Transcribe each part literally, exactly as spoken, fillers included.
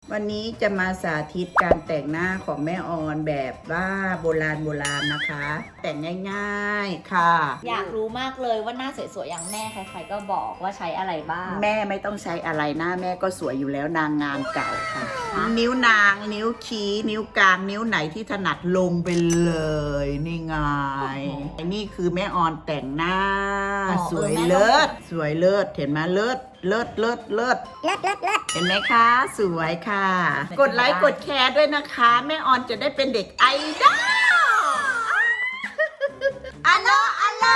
วันนี้จะมาสาธิตการแต่งหน้าของแม่ออนแบบว่าโบราณโบราณนะคะ แต่งง่ายๆค่ะอยากรู้มากเลยว่าหน้าสวยๆอย่างแม่ใครๆก็บอกว่าใช้อะไรบ้างแม่ไม่ต้องใช้อะไรหน้าแม่ก็สวยอยู่แล้วนางงามเก่าค่ะ นิ้วนางนิ้วชี้นิ้วกลางนิ้วไหนที่ถนัดลงไปเลยนี่ไงนี่คือแม่ออนแต่งหน้า สวยเลิศสวยเลิศเห็นไหมเลิศเลิศเลิศเลิศเลิศเลิศเลิศเห็นไหมคะสวยค่ะ กดไลค์กดแชร์ด้วยนะคะแม่ออนจะได้เป็นเด็กไอดอลอัลโลอัลโล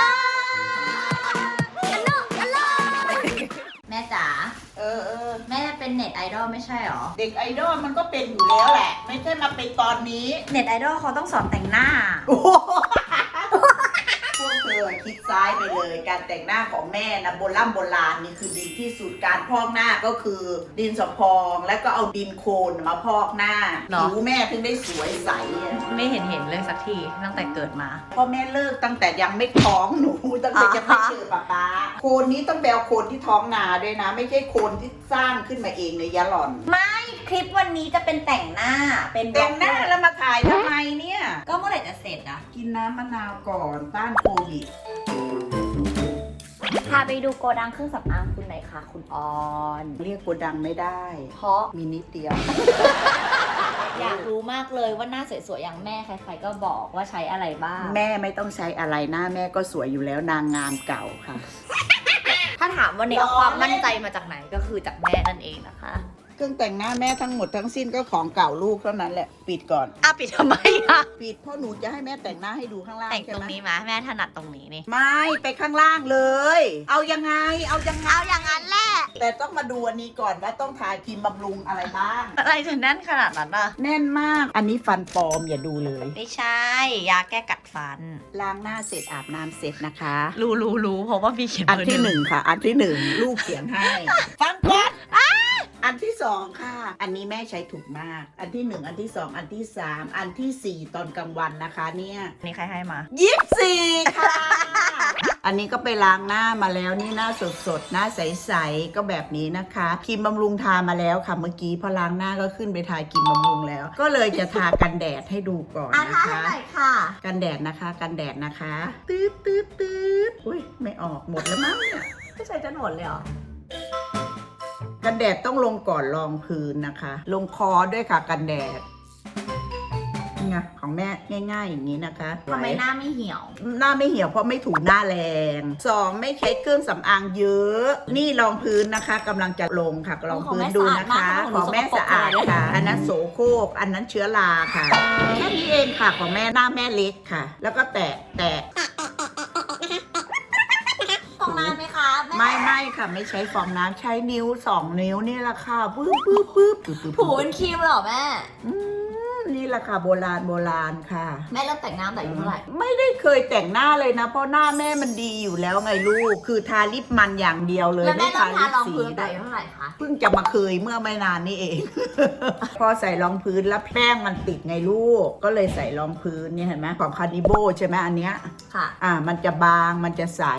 แม่จ๋าเออเออแม่เป็นเน็ตไอดอลไม่ใช่หรอเด็กไอดอลมันก็เป็นอยู่แล้วแหละ ไม่ใช่มาเป็นตอนนี้เน็ตไอดอลเขาต้องสอนแต่งหน้าโอ้โหพวกเธอคิดซ้ายไปเลยการแต่งหน้าของแม่นะโบราณโบราณนี่คือดีที่สุดการพอกหน้าก็คือดินสอพองแล้วก็เอาดินโคลนมาพอกหน้าเนอะผิวแม่ถึงได้สวยใสอะไม่เห็นเห็นเลยสักทีตั้งแต่เกิดมาพ่อแม่เลิกตั้งแต่ยังไม่ท้องหนูตั้งแต่ยังไม่เจอป๊าป๊าโคนนี้ต้องแบลโคนที่ท้องนาด้วยนะ ไม่ใช่โคนที่สร้างขึ้นมาเองในยะหล่อนคลิปวันนี้จะเป็นแต่งหน้าเป็นแต่งหน้าแล้วมาถ่ายทำไมเนี่ยก็เมื่อไหร่จะเสร็จอะกินน้ำมะนาวก่อนต้านโควิดพาไปดูโกดังเครื่องสำอางคุณหน่อยค่ะ คุณออนเรียกโกดังไม่ได้เพราะมีนิดเดียวอยากรู้มากเลยว่าหน้าสวยๆอย่างแม่ใครๆก็บอกว่าใช้อะไรบ้างแม่ไม่ต้องใช้อะไรหน้าแม่ก็สวยอยู่แล้วนางงามเก่าค่ะถ้าถามวันนี้เอาความมั่นใจมาจากไหนก็คือจากแม่นั่นเองนะคะเครื่องแต่งหน้าแม่ทั้งหมดทั้งสิ้นก็ของเก่าลูกเท่านั้นแหละปิดก่อนอ่ะปิดทำไมอะปิดเพราะหนูจะให้แม่แต่งหน้าให้ดูข้างล่างแต่งใช่ตรงไหมนี้มาแม่ถนัดตรงนี้นี่ไม่ไปข้างล่างเลย เอายังไงเอายังไงเอาอย่างนั้นแหละแต่ต้องมาดูอันนี้ก่อนว่าต้องทาครีมบำรุงอะไรบ้างอะไรจะแน่นขนาดนั้นอะแน่นมาก อันนี้ฟันปลอมอย่าดูเลยไม่ใช่ ยาแก้กัดฟันล้างหน้าเสร็จอาบน้ำเสร็จนะคะรู้รู้รู้เพราะว่ามีเขียนอันที่หนึ่งค่ะ อันที่หนึ่งลูกเขียนให้ ฟังก่อนอันที่สองค่ะ อันนี้แม่ใช้ถูกมาก อันที่หนึ่งอันที่สองอันที่สามอันที่สี่ตอนกลางวันนะคะเนี่ยนี่ใครให้มายี่สิบสี่ค่ะ อันนี้ก็ไปล้างหน้ามาแล้วนี่หน้าสดๆหน้าใสๆก็แบบนี้นะคะครีมบำรุงทามาแล้วค่ะเมื่อกี้พอล้างหน้าก็ขึ้นไปทาครีมบำรุงแล้ว ก็เลยจะทากันแดดให้ดูก่อนอ่ะนะทาคะให้หน่อยค่ะกันแดดนะคะกันแดดนะคะตืดตืดตืดอุ้ยไม่ออกหมดแล้วมั้งเนี่ยไม่ใช่จะหนวดเลยเหรอกันแดดต้องลงก่อนรองพื้นนะคะ ลงคอด้วยค่ะกันแดดนี่ไงของแม่ง่ายๆอย่างนี้นะคะทำไมหน้าไม่เหี่ยวหน้าไม่เหี่ยวเพราะไม่ถูหน้าแรงสองไม่ใช้เครื่องสำอางเยอะ นี่รองพื้นนะคะกำลังจะลงค่ะรองพื้นดูนะคะของแม่สะอาดค่ะ อันนั้นโสโครกอันนั้นเชื้อราค่ะแค่นี้เองค่ะของแม่หน้าแม่เล็กค่ะ แล้วก็แตะแตะฟองน้ำไหมคะแไม่ไม่ค่ะไม่ใช้ฟองน้ำใช้นิ้วสองนิ้วนี่แหละค่ะปึ๊บปึ๊บปึ๊บปึ๊บปึ๊บถูเป็นครีมเหรอแม่อืมนี่แหละค่ะโบราณโบราณค่ะแม่เริ่มแต่งหน้าแต่อายุเท่าไหร่ไม่ได้เคยแต่งหน้าเลยนะ เพราะหน้าแม่มันดีอยู่แล้วไงลูก คือทาลิปมันอย่างเดียวเลยแล้วแม่ไม่เริ่มทาลิปรองสีพื้นแต่ด้วยอายุเท่าไหร่คะเพิ่งจะมาเคยเมื่อไม่นานนี่เอง พอใส่รองพื้นแล้วแป้งมันติดไงลูก ก็เลยใส่รองพื้นเนี่ยเห็นไหมของคานิโบใช่ไหมอันเนี้ยค่ะอ่ามันจะบางมันจะใส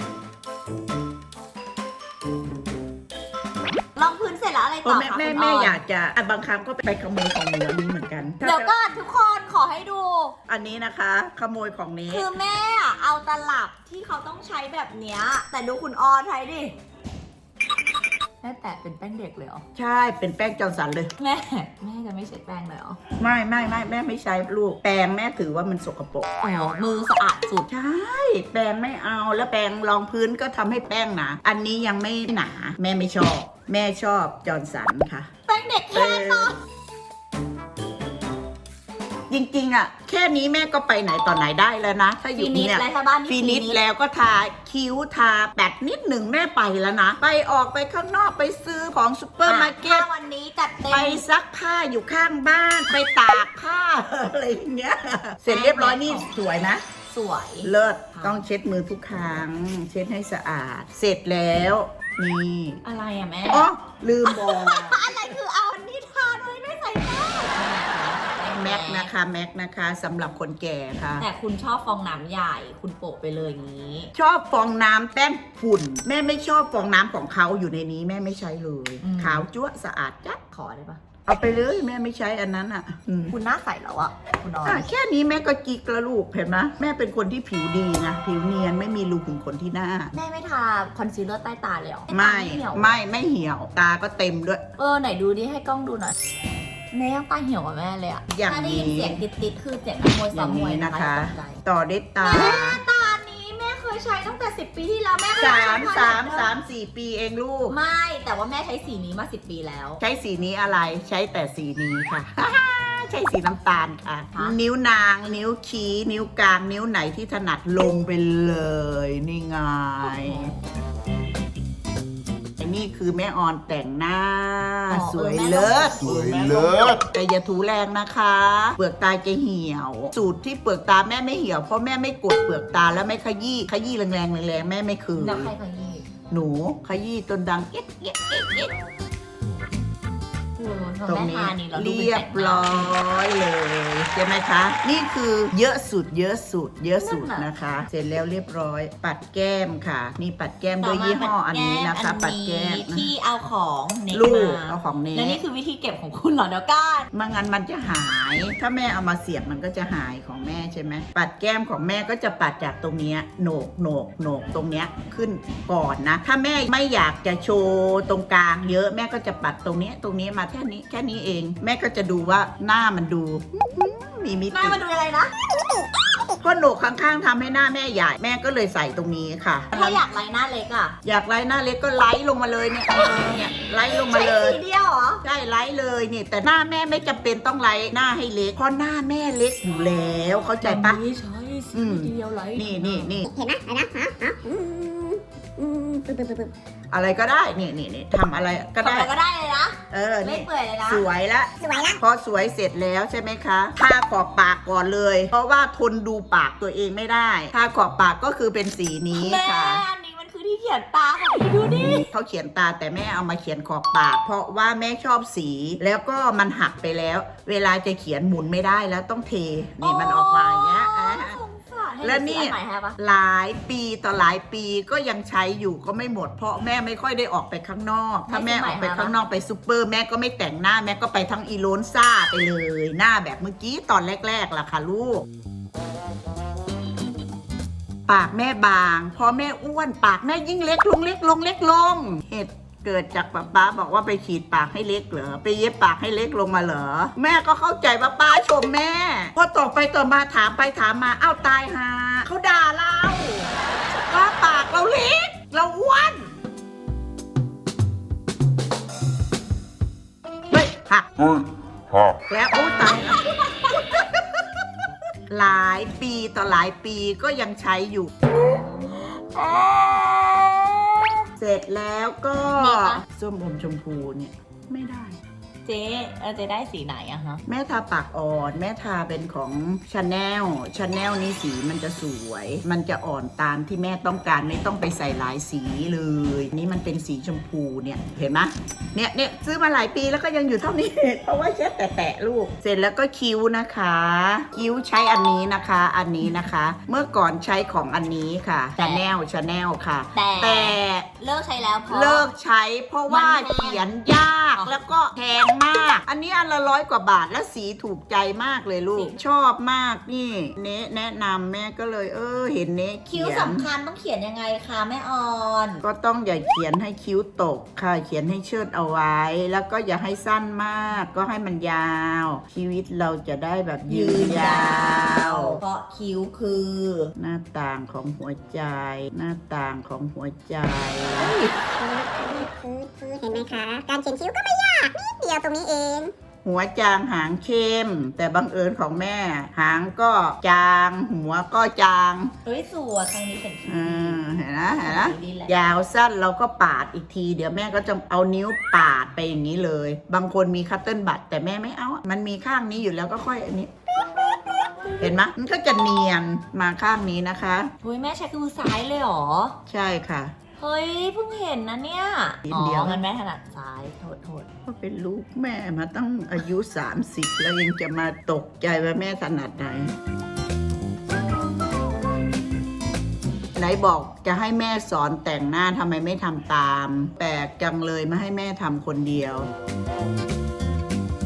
รองพื้นเสร็จแล้วอะไรเพต่อราะแม่คะแม่คุณแม่นอยากจะอ่ะบางครั้งก็ไปขโมยของหนูอันนี้เหมือนกันเดี๋ยวก่อนทุกคนขอให้ดูอันนี้นะคะขโมยของนี้คือแม่อะเอาตลับที่เขาต้องใช้แบบเนี้ยแต่ดูคุณออใช้ดิ แม่แตะเป็นแป้งเด็กเลยเหรอใช่เป็นแป้งจอร์นสันเลยแม่แม่จะไม่ใช้แป้งเลยเหรอไม่ไม่ไม่แม่ไม่ใช้ลูกแปรงแม่ถือว่ามันสกปรกอ๋อมือสะอาดสุดใช่แปรงไม่เอาแล้วแปรงรองพื้นก็ทำให้แป้งหนาอันนี้ยังไม่หนา แม่ไม่ชอบ แม่ชอบจอร์นสันค่ะแป้งเด็กแค่นั้นจริงๆอ่ะแค่นี้แม่ก็ไปไหนต่อไหนได้แล้วนะ ถ้าอฟิยู่นิชเนี่ยอะไรคะบ้านนี่ฟินิชแล้วก็ทาคิ้วทาแปดนิดหนึ่งแม่ไปแล้วนะ ไปออกไปข้างนอกไปซื้อของซูเปอร์มาร์เก็ตถ้าวันนี้จัดเต็มไปซักผ้าอยู่ข้างบ้านไปตากผ้า อะไรอย่างเงี้ยเสร็จเรียบร้อยนี่สวยนะสวยเลิศต้องเช็ดมือทุกครั้ง เช็ดให้สะอาด เสร็จแล้วนี่อะไรอะแม่อ๋อลืมบอกอะไรคือเอาอันนี้ทาโดยไม่ใส่แป้งแม็กนะคะแม็กนะคะสำหรับคนแก่ค่ะแต่คุณชอบฟองน้ำใหญ่ คุณโปะไปเลยอย่างนี้ชอบฟองน้ำแป้งฝุ่น แม่ไม่ชอบฟองน้ำของเขาอยู่ในนี้แม่ไม่ใช้เลยอืมขาวจั๊วะสะอาดจั๊ดขอได้ปะเอาไปเลยแม่ไม่ใช้อันนั้นอ่ะอืมคุณหน้าใสแล้วอะคุณออนอ่ะแค่นี้แม่ก็จิกละลูกเห็นไหมแม่เป็นคนที่ผิวดีนะผิวเนียนไม่มีรูขุมขนที่หน้าแม่ไม่ทาคอนซีลเลอร์ใต้ตาเลยเหรอไม่ตาเหี่ยวไม่ไม่เหี่ยวตาก็เต็มด้วยเออไหนดูดิให้กล้องดูหน่อยแม่ยังตาเหี่ยวกว่าแม่เลยอะอย่างถ้าได้ยินนี้เสียงติดๆคือเสียงนักมวยอซ้อย่าง มมวยนี้นะนะคะ คะอย่าตกใจต่อด้วยตาแม่ตานี้แม่เคยใช้ตั้งแต่สิบปีที่แล้วแม่เคยสาใช้มพอสามแล้วสามสี่ปีเองลูกไม่แต่ว่าแม่ใช้สีนี้มาสิบปีแล้วใช้สีนี้อะไรใช้แต่สีนี้ค่ะ ใช้สีน้ำตาลค่ะฮะนิ้วนาง นิ้วชี้นิ้วกลาง นิ้วไหนที่ถนัดลงไปเลย นี่ไงไอ้นี่คือแม่ออนแต่งหน้า สวยเลิศสวยเลิศแต่อย่าถูแรงนะคะ เปลือกตาจะเหี่ยว สูตรที่เปลือกตาแม่ไม่เหี่ยวเพราะแม่ไม่กดเปลือกตาแล้วไม่ขยี้ขยี้แรงๆแรงๆแม่ไม่คืนแล้วใครขยี้หนูขยี้จนดังเอ๊ะเอ๊ะเอ๊ะเอ๊ะโอ้โหตรงแม่นี้ทานี่เราดูเรียบร้อยเลยใช่ไหมคะ นี่คือเยอะสุดเยอะสุด เยอะสุดนะคะ เสร็จแล้วเรียบร้อย ปัดแก้มค่ะ นี่ปัดแก้มด้วยยี่ห้ออันนี้นะคะ ปัดแก้มนะที่เอาของเน็ตลูกมาเอาของเนแล้วนี่สคือวิธีเก็บของคุณเหรอเดี๋ยวก้านไม่งั้นมันจะหาย ถ้าแม่เอามาเสียบมันก็จะหายของแม่ใช่ไหมปัดแก้มของแม่ก็จะปัดจากตรงเนี้ยโหนกโหนกโหนกตรงเนี้ยขึ้นก่อนนะ ถ้าแม่ไม่อยากจะโชว์ตรงกลางเยอะแม่ก็จะปัดตรงเนี้ยตรงนี้มาแค่นี้แค่นี้เอง แม่ก็จะดูว่าหน้ามันดูมีมิหน้าติมาดูอะไรนะก็โหนกข้างๆทำให้หน้าแม่ใหญ่แม่ก็เลยใส่ตรงนี้ค่ะถ้าอยากไล่หน้าเล็กอ่ะอยากไล่หน้าเล็กก็ไล่ลงมาเลยเนี่ยเนี่ยไล่ลงมาใช้เลยสีเดียวเหรอใช่ไลท์เลยนี่แต่หน้าแม่ไม่จำเป็นต้องไลท์หน้าให้เล็กเพราะหน้าแม่เล็กอยู่แล้วเข้าใจปะนี่ใช้อืสีมเดียวไล่นี่นี่นี่เห็นไหมเห็นไหมฮะฮะอืมอืมปึ๊บปึ๊บปึ๊บปึ๊บอะไรก็ได้นี่นี่นี่ทำอะไรก็ทำได้อะไรก็ได้เลยนะเออไม่นี่เปื่อยเลยนะสวยละสวยละพอสวยเสร็จแล้วใช่ไหมคะทาขอบปากก่อนเลย เพราะว่าทนดูปากตัวเองไม่ได้ทาขอบปากก็คือเป็นสีนี้แม่ค่ะอันนี้มันคือที่เขียนตาของพี่ดูดิเขาเขียนตาแต่แม่เอามาเขียนขอบปาก เพราะว่าแม่ชอบสี แล้วก็มันหักไปแล้ว เวลาจะเขียนหมุนไม่ได้แล้วต้องเทนี่มันออกมาอย่างเงี้ยอ่ะสงสารให้แล้วนี่ดูสิอัไหนฮะปะหลายปีต่อหลายปีก็ยังใช้อยู่ก็ไม่หมด เพราะแม่ไม่ค่อยได้ออกไปข้างนอก ถ้าแม่ออกไปข้างนอกไปซูเปอร์แม่ก็ไม่แต่งหน้าแม่ก็ไปทั้งอีโลนซ่าไปเลย หน้าแบบเมื่อกี้ตอนแรกๆล่ะค่ะลูก ปากแม่บาง พอแม่อ้วนปากแม่ยิ่งเล็กลงเล็กลงเล็กลงเหตุเกิดจากป้าป้าบอกว่าไปฉีดปากให้เล็กเหรอไปเย็บปากให้เล็กลงมาเหรอแม่ก็เข้าใจว่าป้าชมแม่พอต่อไปต่อมาถามไปถามมาเอ้าตายหาเขาด่าเราว่าปากเราเล็กเราอ้วนเฮ้ยหักเฮ้ยฮะแล้วโอ้ตายแล้ว หลายปีต่อหลายปีก็ยังใช้อยู่ เสร็จแล้วก็มีปะส้มอมชมพูเนี่ยไม่ได้เจ๊เออเจ๊ได้สีไหนอะฮะแม่ทาปากอ่อน แม่ทาเป็นของชาแนลชาแนลนี่สีมันจะสวย มันจะอ่อนตามที่แม่ต้องการไม่ต้องไปใส่หลายสีเลย นี่มันเป็นสีชมพูเนี่ยเห็นไหมเนี่ยเนี่ยซื้อมาหลายปีแล้วก็ยังอยู่เท่านี้ เพราะว่าแค่แตะๆลูก เสร็จแล้วก็คิ้วนะคะ คิ้วใช้อันนี้นะคะ อันนี้นะคะ เมื่อก่อนใช้ของอันนี้ค่ะชาแนลชาแนลค่ะแต่แต่เลิกใช้แล้วเพราะเลิกใช้เพราะว่ามันแพงเขียนยากอ๋อแล้วก็แพงมาก อันนี้อันละร้อยกว่าบาทและสีถูกใจมากเลยลูก ชอบมากนี่เนะแนะนำแม่ก็เลยเออเห็นเนะเขีคิ้วยนสำคัญต้องเขียนยังไงคะแม่ออนก็ต้องอย่าเขียนให้คิ้วตกค่ะเขียนให้เชิดเอาไว้ แล้วก็อย่าให้สั้นมากก็ให้มันยาว ชีวิตเราจะได้แบบยืนยาวเพราะคิ้วคือหน้าต่างของหัวใจ หน้าต่างของหัวใจคือคือเห็นไหมคะ การเขียนคิ้วก็ไม่ยากนิดเดียวตรงนี้เองหัวจางหางเข้ม แต่บังเอิญของแม่ หางก็จาง หัวก็จางเฮ้ยสวยครั้งนี้เป็นคิ้เอวอเห็นนะเห็นนะดีแหละยาวสั้นเราก็ปาดอีกที เดี๋ยวแม่ก็จะเอานิ้วปาดไปอย่างนี้เลย บางคนมีคัตเติ้ลบัตแต่แม่ไม่เอาอะมันมีข้างนี้อยู่แล้วก็ค่อยอันนี้ เห็นไหมมันก็จะเนียนมาข้างนี้นะคะเฮ้ยแม่ใช้คือซ้ายเลยเหรอใช่ค่ะเฮ้ยเพิ่งเห็นนะเนี่ยนิดอ๋เดียวองั้นแม่ถนัดซ้ายโทษโทษก็เป็นลูกแม่มาตั้งอายุสามสิบแล้วยังจะมาตกใจว่าแม่ถนัดไหน ไหนบอกจะให้แม่สอนแต่งหน้าทำไมไม่ทำตาม แปลกจังเลยมาให้แม่ทำคนเดียว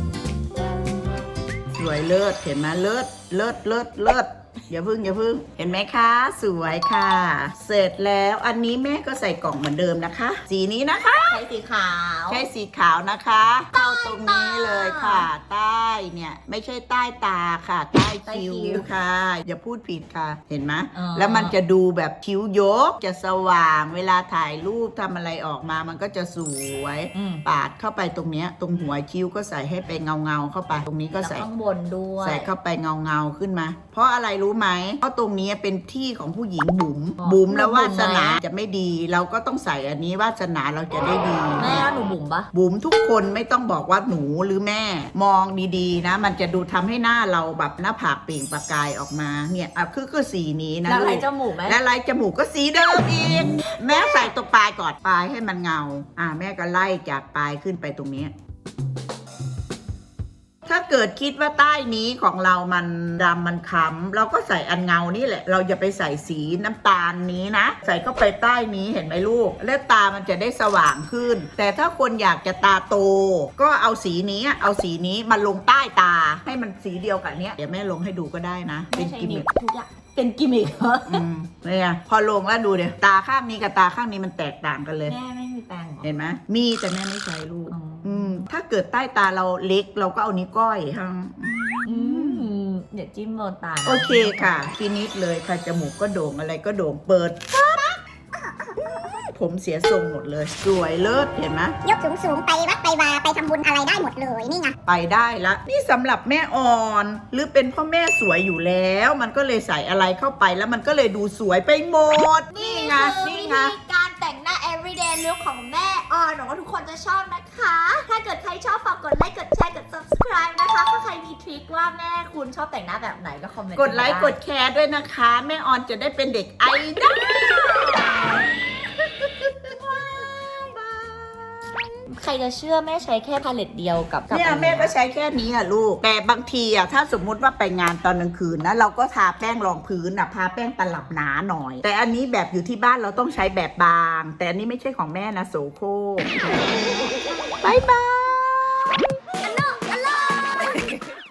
วยเลิศเห็นไหมเลิศเลิศเลิศเลิศอย่าพึ่งอย่าพึ่งเห็นไหมคะสวยค่ะ เสร็จแล้วอันนี้แม่ก็ใส่กล่องเหมือนเดิมนะคะ สีนี้นะคะใช้สีขาวใช้สีขาวนะคะเข้าตรงนี้เลยค่ะ ใต้เนี่ยไม่ใช่ใต้ตาค่ะ ใต้คิ้วค่ะ อย่าพูดผิดค่ะเห็นไหมแล้วมันจะดูแบบคิ้วยกจะสว่างเวลาถ่ายรูปทำอะไรออกมามันก็จะสวยปาดเข้าไปตรงเนี้ยตรงหัวคิ้วก็ใส่ให้ไปเงาเงาๆเข้าไปตรงนี้ก็แล้วใส่ข้างบนด้วยใส่เข้าไปเงาเงาๆขึ้นมา เพราะอะไรรู้ไหมเพราะตรงนี้เป็นที่ของผู้หญิงบุ๋มอ๋อบุ๋มแล้วบุ๋วาม สนาจะไม่ดี เราก็ต้องใส่อันนี้วาสนาเราจะได้ดีแม่หนูบุ๋มปะบุ๋มทุกคนไม่ต้องบอกว่าหนูหรือแม่ มองดีๆนะ มันจะดูทำให้หน้าเราแบบหน้าผากเปล่งประกายออกมาเนี่ยอ่ะคือคือสีนี้นะแล้วไรลูกจมูกไหมและลายจมูกก็สีเดิมอีก แม่ใส่ตรงปลายก่อนปลายให้มันเงา อ่าแม่ก็ไล่จากปลายขึ้นไปตรงนี้ ถ้าเกิดคิดว่าใต้นี้ของเรามันดำมันค้ำเราก็ใส่อันเงานี่แหละ เราอย่าไปใส่สีน้ำตาลนี้นะ ใส่เข้าไปใต้นี้เห็นไหมลูก แล้วตามันจะได้สว่างขึ้น แต่ถ้าคนอยากจะตาโต ก็เอาสีนี้เอาสีนี้มาลงใต้ตาให้มันสีเดียวกับเนี้ยเดี๋ยวแม่ลงให้ดูก็ได้นะเป็ไม่นใช่กิมดิมิบคทุกอย่างเป็นกิมมิคเหรออืมเนี่ยพอลงแล้วดูเดี๋ยวตาข้างนี้กับตาข้างนี้มันแตกต่างกันเลยแม่ไม่มีแปรงเหรอเห็นไหมมีแต่แม่ไม่ใช้ลูกอ๋ออือืมถ้าเกิดใต้ตาเราเล็กเราก็เอานิ้วก้อยฮะอืมเดี๋ยวจิ้มโดนตานะโอเคค่ะฟินิชเลยค่ะจมูกก็โด่งอะไรก็โด่งเปิดปั๊บผมเสียทรงหมดเลย สวยเลิศเห็นไหมยกสูงสูงๆไปวัดไปวาไปทำบุญอะไรได้หมดเลยนี่ไงไปได้ละนี่สำหรับแม่อ่อน หรือเป็นพ่อแม่สวยอยู่แล้ว มันก็เลยใส่อะไรเข้าไปแล้วมันก็เลยดูสวยไปหมดนี่ไงคือนี่วิไงธีการแต่งหน้า everyday look ของแม่ออนหวังว่าทุกคนจะชอบนะคะ ถ้าเกิดใครชอบฝากกดไลค์กดแชร์กด subscribe นะคะถ้าใครมีทริคว่าแม่คุณชอบแต่งหน้าแบบไหนก็คอมเมนต์กดไลค์มากดแชร์ด้วยนะคะ แม่ออนจะได้เป็นเด็กไอดอลใครจะเชื่อแม่ใช้แค่พาเลตเดียวกับกับเนี่ยอัแม่ก็ใช้แค่นี้อะลูก แต่บางทีอะถ้าสมมุติว่าไปงานตอนกลางคืนนะเราก็ทาแป้งรองพื้นอะทาแป้งตลับหนาหน่อย แต่อันนี้แบบอยู่ที่บ้านเราต้องใช้แบบบาง แต่อันนี้ไม่ใช่ของแม่นะโสโครกบายบาย